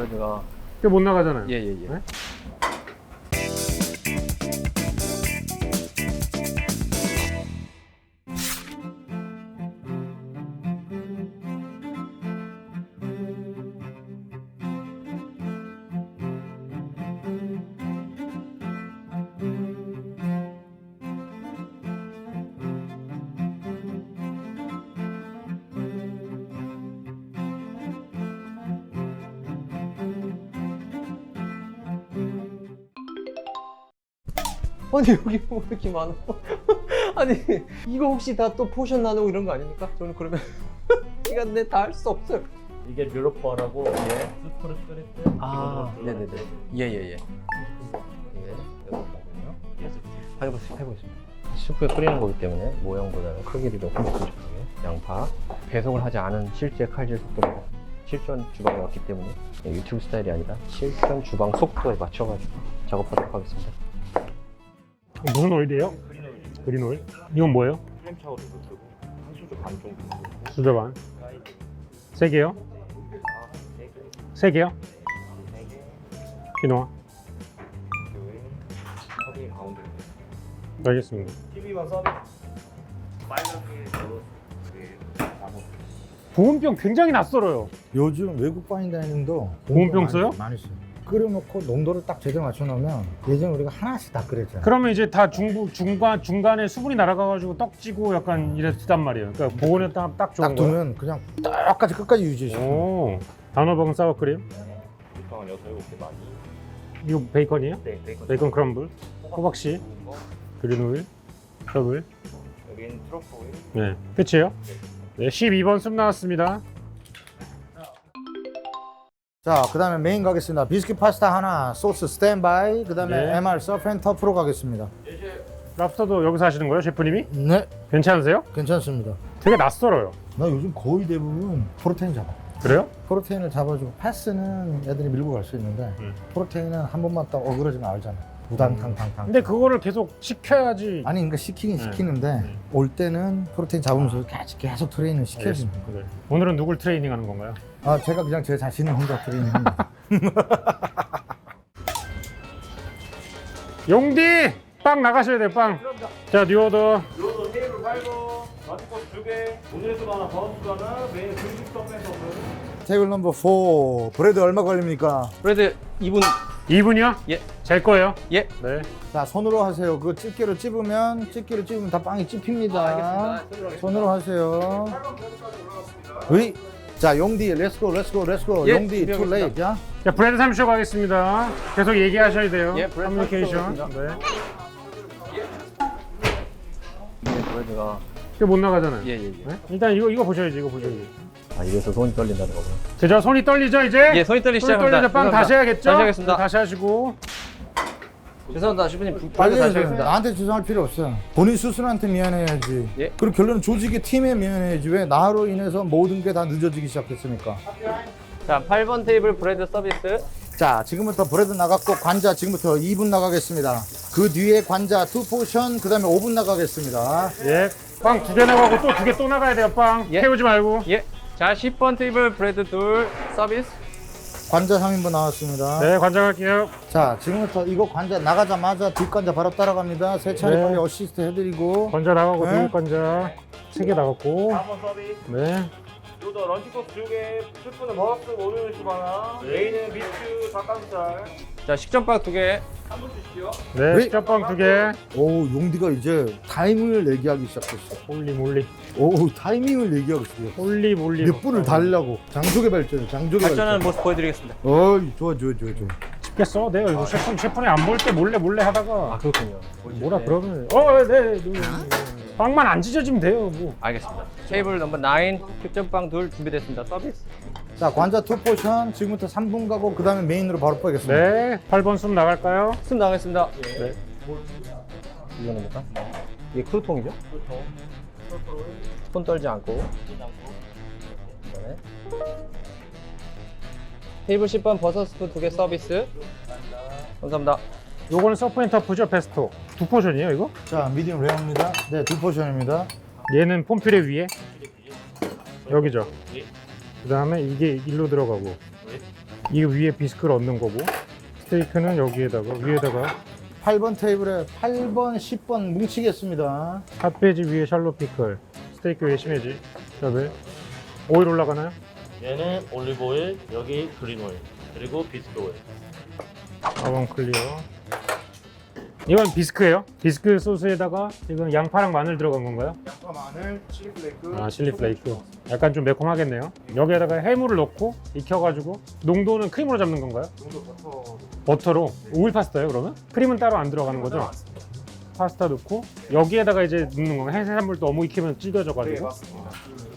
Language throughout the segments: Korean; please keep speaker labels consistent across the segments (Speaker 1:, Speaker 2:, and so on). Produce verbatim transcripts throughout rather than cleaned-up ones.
Speaker 1: 브레드가
Speaker 2: 그게 못 나가잖아요.
Speaker 1: 예예예. 예, 예.
Speaker 2: 네?
Speaker 1: 아니 여기 뭐 이렇게 많아? 아니 이거 혹시 다 또 포션 나누고 이런 거 아닙니까? 저는 그러면 시간 내 다 할 수 없어요.
Speaker 3: 이게 뮤로퍼라고
Speaker 1: 예.
Speaker 3: 스프를 끓일 때
Speaker 1: 아
Speaker 3: 기본적으로
Speaker 1: 네네네. 예예예. 예. 해보겠습니다. 해보겠습니다. 스프에 끓이는 거기 때문에 모형보다는 크기를 더 큼직하게 양파 배송을 하지 않은 실제 칼질 속도로 실전 주방에 왔기 때문에 유튜브 스타일이 아니라 실전 주방 속도에 맞춰가지고 작업하도록 하겠습니다.
Speaker 2: 무슨 오일이에요? 그린 오일. 이건 뭐예요?
Speaker 3: 프레임 차오도 쓰고 한 수저 반 정도 쓰고
Speaker 2: 수저 반. 세 개요? 세 개요? 키노아.
Speaker 3: 서빙 가운데
Speaker 2: 알겠습니다.
Speaker 3: 티비만 서빙 빨갛게 넣어서 나무
Speaker 2: 보온병 굉장히 낯설어요.
Speaker 4: 요즘 외국 파인다이닝도
Speaker 2: 보온병
Speaker 4: 많이-
Speaker 2: 써요?
Speaker 4: 많이 써요. 끓여놓고 농도를 딱 제대로 맞춰놓으면 예전에 우리가 하나씩 다 끓였잖아요.
Speaker 2: 그러면 이제 다 중부 중간 중간에 수분이 날아가가지고 떡지고 약간 이랬단 말이에요. 그러니까 보온에 딱, 딱 좋은
Speaker 4: 딱
Speaker 2: 거예요.
Speaker 4: 두면 그냥 똑같이 끝까지 유지시켜.
Speaker 2: 오. 단호박은 사워크림.
Speaker 3: 보통 한 여섯 일곱 개 많이
Speaker 2: 이거 베이컨이에요?
Speaker 3: 네 베이컨
Speaker 2: 베이컨 크럼블. 호박씨.
Speaker 3: 구운 거.
Speaker 2: 그린 오일. 더블.
Speaker 3: 여긴 트러플 오일
Speaker 2: 네. 끝이에요? 네. 십이 번 숲 나왔습니다.
Speaker 4: 자, 그 다음에 메인 가겠습니다. 비스킷 파스타 하나, 소스 스탠바이, 그 다음에
Speaker 2: 네.
Speaker 4: 엠알 서프 터프로 가겠습니다.
Speaker 2: 랍스터도 여기서 하시는 거예요, 셰프님이?
Speaker 4: 네,
Speaker 2: 괜찮으세요?
Speaker 4: 괜찮습니다.
Speaker 2: 되게 낯설어요.
Speaker 4: 나 요즘 거의 대부분 프로테인 잡아.
Speaker 2: 그래요?
Speaker 4: 프로테인을 잡아주고 패스는 애들이 밀고 갈 수 있는데
Speaker 2: 음.
Speaker 4: 프로테인은 한 번만 딱 어그러지면 알잖아. 우당탕탕탕.
Speaker 2: 근데 그거를 계속 시켜야지.
Speaker 4: 아니 그러니까 시키긴
Speaker 2: 네.
Speaker 4: 시키는데
Speaker 2: 음.
Speaker 4: 올 때는 프로테인 잡으면서 계속, 계속 트레이닝 시켜주는
Speaker 2: 알겠습니다.
Speaker 4: 거예요.
Speaker 2: 네. 오늘은 누굴 트레이닝 하는 건가요?
Speaker 4: 아, 제가 그냥 제 자신을 혼자 트레이닝합니다.
Speaker 2: 용디! 빵 나가셔야 돼요, 빵. 자, 뉴오더.
Speaker 3: 요도 테이블 팔고 마트코스 두개 오늘의 수가 하나 버너스 하나 메인 금식 서브에서
Speaker 4: 테이블 넘버 사 브레드 얼마 걸립니까?
Speaker 1: 브레드 이 분
Speaker 2: 이 분이요?
Speaker 1: 예.
Speaker 2: 제 거예요?
Speaker 1: 예.
Speaker 2: 네.
Speaker 4: 자, 손으로 하세요. 그 집게로 찝으면 집게로 찝으면 다 빵이 찝힙니다.
Speaker 1: 아, 알겠습니다.
Speaker 4: 손으로 하세요. 으이. 자, 용디 렛츠고 렛츠고 렛츠고.
Speaker 1: 예,
Speaker 4: 용디 투
Speaker 1: 준비하겠습니다.
Speaker 4: 레이트. 야.
Speaker 2: 자, 브레드 삼십 초 가겠습니다. 계속 얘기하셔야 돼요.
Speaker 1: 예, 브레드
Speaker 2: 커뮤니케이션.
Speaker 1: 삼십 초
Speaker 2: 네.
Speaker 1: 네, 브레드가
Speaker 2: 그게 못 나가잖아요.
Speaker 1: 예예예. 예,
Speaker 2: 네? 일단 이거 이거 보셔야지, 이거 보셔야지.
Speaker 1: 아 이래서 손이 떨린다는 거구나.
Speaker 2: 제저 손이 떨리죠, 이제?
Speaker 1: 예, 손이 떨리기
Speaker 2: 손이
Speaker 1: 시작합니다.
Speaker 2: 떨리죠. 빵
Speaker 1: 죄송합니다.
Speaker 2: 다시 해야겠죠?
Speaker 1: 다시 하겠습니다.
Speaker 2: 네, 다시 하시고.
Speaker 1: 죄송합니다, 셰프님.
Speaker 4: 빨리
Speaker 1: 브레드 다시
Speaker 4: 해야
Speaker 1: 하겠습니다.
Speaker 4: 나한테 죄송할 필요 없어. 본인 스스로한테 미안해야지.
Speaker 1: 예.
Speaker 4: 그리고 결론은 조직의 팀에 미안해야지. 왜 나로 인해서 모든 게 다 늦어지기 시작했습니까?
Speaker 1: 자, 팔 번 테이블 브레드 서비스.
Speaker 4: 자, 지금부터 브레드 나갔고 관자 지금부터 이 분 나가겠습니다. 그 뒤에 관자 이 포션, 그 다음에 오 분 나가겠습니다.
Speaker 2: 예. 빵 두 개 나가고 또 두 개 또 나가야 돼요, 빵.
Speaker 1: 예.
Speaker 2: 태우지 말고.
Speaker 1: 예. 자, 십 번 테이블 브레드 둘 서비스.
Speaker 4: 관자 삼 인분 나왔습니다.
Speaker 2: 네, 관장할게요.
Speaker 4: 자, 지금부터 이거 관자 나가자마자 뒷관자 바로 따라갑니다. 세 차례
Speaker 2: 네.
Speaker 4: 빨리 어시스트 해드리고.
Speaker 2: 관자 나가고,
Speaker 4: 네.
Speaker 2: 네. 관자 세 개 나갔고.
Speaker 3: 사 번 서비스
Speaker 2: 네.
Speaker 3: 요도 런치코스 두개 스프는 버너스 오늘 수 하나 메인은 비추 닭가슴살
Speaker 1: 자, 식전빵 두 개.
Speaker 3: 한 분 주시죠
Speaker 2: 네,
Speaker 4: 네.
Speaker 2: 식전빵 두 개.
Speaker 4: 오, 용디가 이제 타이밍을 얘기하기 시작했어.
Speaker 2: 홀리 몰리.
Speaker 4: 오, 타이밍을 얘기하기 시작했어.
Speaker 2: 홀리 몰리.
Speaker 4: 몇 분을 달라고. 장족의 발전, 장족의
Speaker 1: 발전하는
Speaker 4: 발전.
Speaker 1: 모습 보여드리겠습니다.
Speaker 4: 어이, 좋아, 좋아, 좋아, 좋아.
Speaker 2: 집겠어. 내가 이거 셰프, 셰프님 안 볼 때 몰래 몰래 하다가.
Speaker 1: 아, 그렇군요.
Speaker 2: 뭐라 그러면. 어, 네. 네. 빵만 안 찢어지면 돼요, 뭐.
Speaker 1: 알겠습니다. 테이블 넘버 나인 식전빵 둘 준비됐습니다. 서비스.
Speaker 4: 자, 관자 이 포션 지금부터 삼 분 가고 그 다음에 메인으로 바로 빼겠습니다.
Speaker 2: 네. 팔 번 숨 나갈까요?
Speaker 1: 숨 나가겠습니다.
Speaker 2: 네.
Speaker 1: 이거는 뭘까? 이게 크루통이죠? 손 떨지 않고. 그다음에 테이블 십 번 버섯 스프 두 개 서비스. 감사합니다.
Speaker 2: 요거는 서프앤터프죠, 페스토. 두 포션이에요, 이거?
Speaker 4: 자, 미디엄 레어입니다. 네, 이 포션입니다.
Speaker 2: 얘는 폼피레 위에. 여기죠. 그 다음에 이게 일로 들어가고. 이 위에 비스크를 얹는 거고 스테이크는 여기에다가 위에다가
Speaker 4: 팔 번 테이블에 팔 번, 십 번 뭉치겠습니다.
Speaker 2: 핫베지 위에 샬롯 피클, 스테이크 위에 시메지, 그다음에 오일 올라가나요?
Speaker 3: 얘는 올리브 오일, 여기 그린 오일, 그리고 비스켓 오일.
Speaker 2: 아원 클리어. 이건 비스크예요. 비스크 소스에다가 지금 양파랑 마늘 들어간 건가요?
Speaker 4: 양파, 마늘, 칠리 플레이크.
Speaker 2: 아 칠리 플레이크. 약간 좀 매콤하겠네요. 여기에다가 해물을 넣고 익혀가지고 농도는 크림으로 잡는 건가요?
Speaker 4: 정도 버터.
Speaker 2: 버터로. 오일 파스타예요 그러면? 크림은 따로 안 들어가는 거죠? 파스타 넣고 여기에다가 이제 넣는 건가요? 해산물 너무 익히면 질겨져가지고.
Speaker 4: 네, 맞습니다.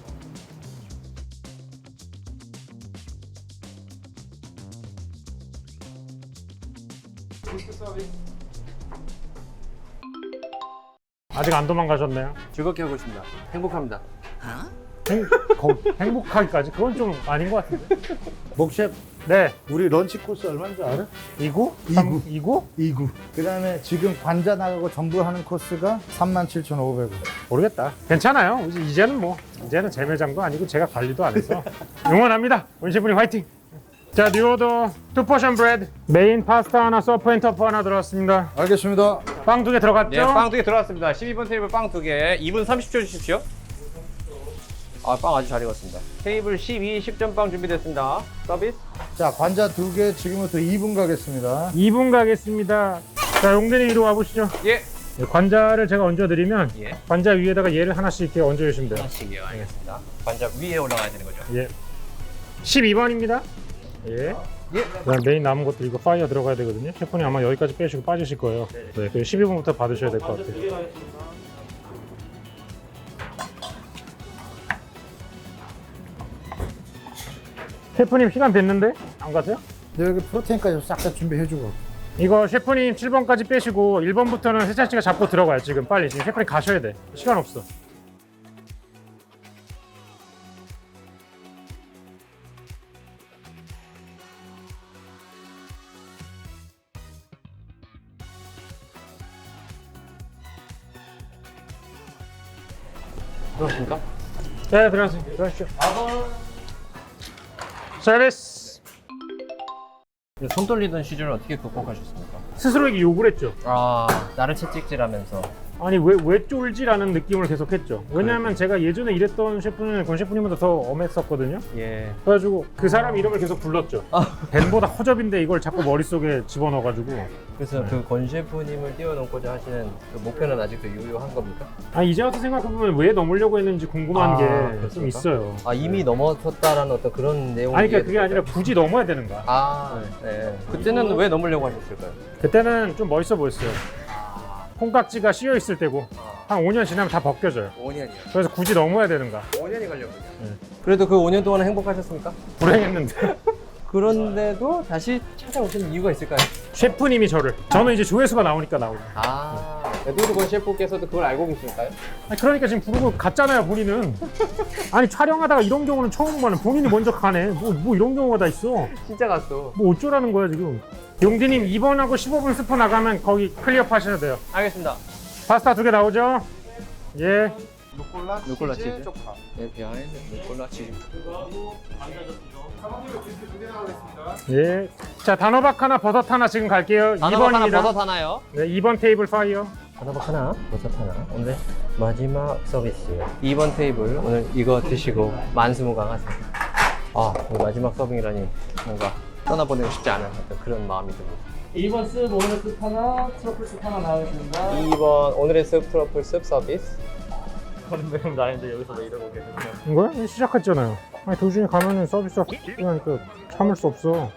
Speaker 2: 아직 안 도망가셨네요.
Speaker 1: 즐겁게 하고 있습니다. 행복합니다.
Speaker 2: 행, 거, 행복하기까지? 그건 좀 아닌 것 같은데.
Speaker 4: 목셰프,
Speaker 2: 네.
Speaker 4: 우리 런치 코스 얼마인 줄 알아?
Speaker 2: 이구?
Speaker 4: 이구.
Speaker 2: 삼- 이구?
Speaker 4: 이구. 그 다음에 지금 관자 나가고 전부 하는 코스가 삼만 칠천오백 원.
Speaker 2: 모르겠다. 괜찮아요. 이제- 이제는 뭐 이제는 제 매장도 아니고 제가 관리도 안 해서 응원합니다. 원셰프님 화이팅. 자, 뉴오더 투 포션 브레드, 메인 파스타 하나, 서프 앤 터프 하나 들어왔습니다.
Speaker 4: 알겠습니다.
Speaker 2: 빵 두 개 들어갔죠?
Speaker 1: 네, 빵 두 개 들어왔습니다. 십이 번 테이블 빵 두 개. 이 분 삼십 초 주십시오. 아, 빵 아주 잘 익었습니다. 테이블 십이, 십 점 빵 준비됐습니다. 서비스.
Speaker 4: 자, 관자 두 개 지금부터 이 분 가겠습니다.
Speaker 2: 이 분 가겠습니다. 자, 용대님 이리 와보시죠.
Speaker 1: 예.
Speaker 2: 네, 관자를 제가 얹어드리면
Speaker 1: 예.
Speaker 2: 관자 위에다가 얘를 하나씩 이렇게 얹어주시면 돼요.
Speaker 1: 하나씩이요. 알겠습니다. 관자 위에 올라가야 되는 거죠.
Speaker 2: 예. 십이 번입니다. 예.
Speaker 1: 예.
Speaker 2: 그다음 메인 남은 것들 이거 파이어 들어가야 되거든요. 셰프님 아마 여기까지 빼시고 빠지실 거예요. 네, 그 십이 번부터 받으셔야 될 것 같아요.
Speaker 3: 두개 가겠습니다.
Speaker 2: 셰프님 시간 됐는데 안 가세요?
Speaker 4: 네, 여기 프로테인까지 싹 다 준비해주고.
Speaker 2: 이거 셰프님 칠 번까지 빼시고 일 번부터는 세찬 씨가 잡고 들어가요. 지금 빨리 지금 셰프님 가셔야 돼. 시간 없어.
Speaker 1: 그렇습니까?
Speaker 2: 네, 들어가세요. 들어가시죠. 서비스.
Speaker 1: 손 떨리던 시절을 어떻게 극복하셨습니까?
Speaker 2: 스스로에게 욕을 했죠.
Speaker 1: 아, 나를 채찍질하면서.
Speaker 2: 아니 왜, 왜 쫄지라는 느낌을 계속 했죠. 왜냐하면 제가 예전에 일했던 셰프는 권 셰프님보다 더 엄했었거든요.
Speaker 1: 예.
Speaker 2: 그래가지고 그 사람 이름을 계속 불렀죠. 벤보다 허접인데 이걸 자꾸 머릿속에 집어넣어가지고.
Speaker 1: 그래서 그 권 셰프님을 뛰어넘고자 하시는 그 목표는 아직도 유효한 겁니까?
Speaker 2: 아 이제 와서 생각해보면 왜 넘으려고 했는지 궁금한
Speaker 1: 아,
Speaker 2: 게 좀
Speaker 1: 그렇습니까?
Speaker 2: 있어요.
Speaker 1: 아, 이미 넘어섰다라는 어떤 그런 내용이.
Speaker 2: 아니 그러니까 그게 아니라 굳이 넘어야 되는 거야.
Speaker 1: 아, 네. 그때는 왜 넘으려고 하셨을까요?
Speaker 2: 그때는 좀 멋있어 보였어요. 콩깍지가 씌여 있을 때고 한 오 년 지나면 다 벗겨져요.
Speaker 1: 오 년이요.
Speaker 2: 그래서 굳이 넘어야 되는가.
Speaker 1: 오 년이 걸렸군요. 그래도 그 오 년 동안은 행복하셨습니까?
Speaker 2: 불행했는데.
Speaker 1: 그런데도 다시 찾아오시는 이유가 있을까요?
Speaker 2: 셰프님이 저를. 저는 이제 조회수가 나오니까 나오고.
Speaker 1: 아, 에드워드 권 셰프께서도 그걸 알고 계실까요?
Speaker 2: 아니, 그러니까 지금 부르고 갔잖아요, 본인은. 아니, 촬영하다가 이런 경우는 처음 봐는 본인이 먼저 가네. 뭐, 뭐 이런 경우가 다 있어.
Speaker 1: 진짜 갔어.
Speaker 2: 뭐 어쩌라는 거야, 지금. 용디님 이 번하고 십오 분 스포 나가면 거기 클리어 하셔야 돼요.
Speaker 1: 알겠습니다.
Speaker 2: 파스타 두 개 나오죠? 예.
Speaker 4: 루꼴라,
Speaker 1: 루꼴라
Speaker 4: 치즈,
Speaker 1: 치즈.
Speaker 4: 쪽파.
Speaker 1: 네, 비하인드 루꼴라 치즈.
Speaker 2: 예. 자, 단호박 하나, 버섯 하나 지금 갈게요.
Speaker 1: 단호박
Speaker 2: 이 번입니다.
Speaker 1: 하나, 버섯 하나요?
Speaker 2: 네, 이 번 테이블 파이어.
Speaker 1: 단호박 하나, 버섯 하나. 오늘 마지막 서비스. 이 번 테이블 오늘 이거 드시고 만수무강하세요. 아, 오늘 마지막 서빙이라니 뭔가 떠나보내고 싶지 않은 어떤 그런 마음이 듭니다.
Speaker 3: 이 번 습, 오늘의 습 하나, 트러플 습 하나 나가겠습니다.
Speaker 1: 이 번 오늘의 습 트러플 습 서비스.
Speaker 3: 그런 내용 나는데 여기서 왜 이러고 계세요?
Speaker 2: 이거야? 시작했잖아요. 아니, 도중에 가면은 서비스가 하니까 참을 수 없어.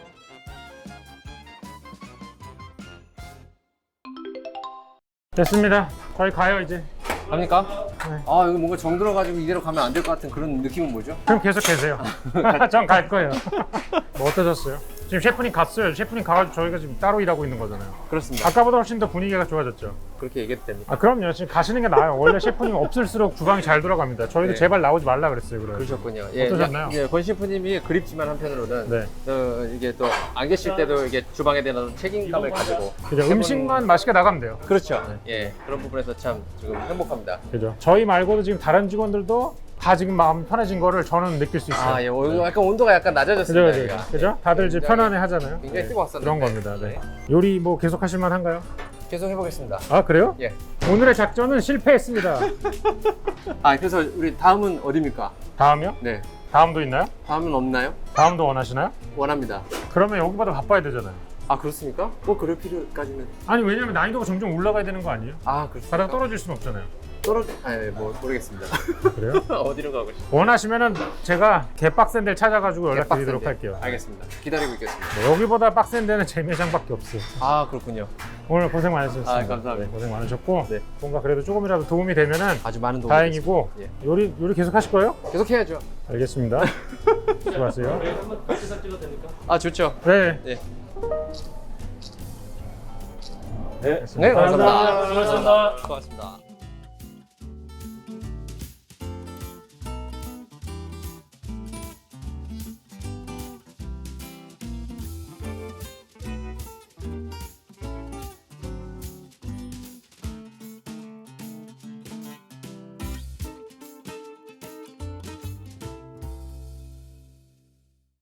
Speaker 2: 됐습니다. 저희 가요, 이제.
Speaker 1: 갑니까?
Speaker 2: 네.
Speaker 1: 아, 여기 뭔가 정들어가지고 이대로 가면 안 될 것 같은 그런 느낌은 뭐죠?
Speaker 2: 그럼 계속 계세요. 전 갈 거예요. 뭐 어떠셨어요? 지금 셰프님 갔어요. 셰프님 가가지고 저희가 지금 따로 일하고 있는 거잖아요.
Speaker 1: 그렇습니다.
Speaker 2: 아까보다 훨씬 더 분위기가 좋아졌죠.
Speaker 1: 그렇게 얘기해도 됩니까?
Speaker 2: 아 그럼요. 지금 가시는 게 나아요. 원래 셰프님 없을수록 주방이 잘 돌아갑니다. 저희도
Speaker 1: 네.
Speaker 2: 제발 나오지 말라 그랬어요. 그래.
Speaker 1: 그러셨군요. 예,
Speaker 2: 어떠셨나요?
Speaker 1: 예, 권 셰프님이 그립지만 한편으로는
Speaker 2: 네.
Speaker 1: 또 이게 또 안 계실 때도 이게 주방에 대한 어떤 책임감을 가지고
Speaker 2: 그죠. 음식만 맛있게 나가면 돼요.
Speaker 1: 그렇죠. 예, 그런 부분에서 참 지금 행복합니다.
Speaker 2: 그죠. 저희 말고도 지금 다른 직원들도 다 지금 마음 편해진 거를 저는 느낄 수 있어요.
Speaker 1: 아, 예. 오, 약간 온도가 약간
Speaker 2: 그죠,
Speaker 1: 낮아졌습니다.
Speaker 2: 그죠,
Speaker 1: 여기가.
Speaker 2: 그죠? 다들 이제
Speaker 1: 굉장히-
Speaker 2: 편안해 하잖아요.
Speaker 1: 굉장히
Speaker 2: 네,
Speaker 1: 뜨거웠었는데.
Speaker 2: 그런 겁니다. 네.
Speaker 1: 네.
Speaker 2: 요리 뭐 계속 하실 만한가요?
Speaker 1: 계속 해보겠습니다.
Speaker 2: 아 그래요?
Speaker 1: 예.
Speaker 2: 오늘의 작전은 실패했습니다.
Speaker 1: 아, 그래서 우리 다음은 어디입니까?
Speaker 2: 다음이요?
Speaker 1: 네.
Speaker 2: 다음도 있나요?
Speaker 1: 다음은 없나요?
Speaker 2: 다음도 원하시나요?
Speaker 1: 원합니다.
Speaker 2: 그러면 여기보다 바빠야 되잖아요.
Speaker 1: 아, 그렇습니까? 뭐 그럴 필요까지는.
Speaker 2: 아니 왜냐면 난이도가 점점 올라가야 되는 거 아니에요?
Speaker 1: 아, 그렇습니까?
Speaker 2: 가다가 떨어질 수는 없잖아요.
Speaker 1: 떨어져. 아, 예, 뭐 모르겠습니다.
Speaker 2: 그래요?
Speaker 1: 어디로 가고 싶어요?
Speaker 2: 원하시면은 제가 개빡센 데를 찾아가지고 연락드리도록
Speaker 1: 빡센데.
Speaker 2: 할게요.
Speaker 1: 알겠습니다. 기다리고 있겠습니다.
Speaker 2: 네, 여기보다 빡센 데는 제 매장밖에 없어요.
Speaker 1: 아, 그렇군요.
Speaker 2: 오늘 고생 많으셨습니다.
Speaker 1: 아, 감사합니다.
Speaker 2: 네, 고생 많으셨고
Speaker 1: 네.
Speaker 2: 뭔가 그래도 조금이라도 도움이 되면은
Speaker 1: 아주 많은 도움이
Speaker 2: 다행이고
Speaker 1: 됐습니다.
Speaker 2: 요리 요리 계속 하실 거예요?
Speaker 1: 예. 계속 해야죠.
Speaker 2: 알겠습니다. 수고하세요.
Speaker 1: 아, 좋죠.
Speaker 2: 네.
Speaker 1: 예.
Speaker 3: 네.
Speaker 1: 네, 감사합니다.
Speaker 3: 감사합니다.
Speaker 1: 고맙습니다.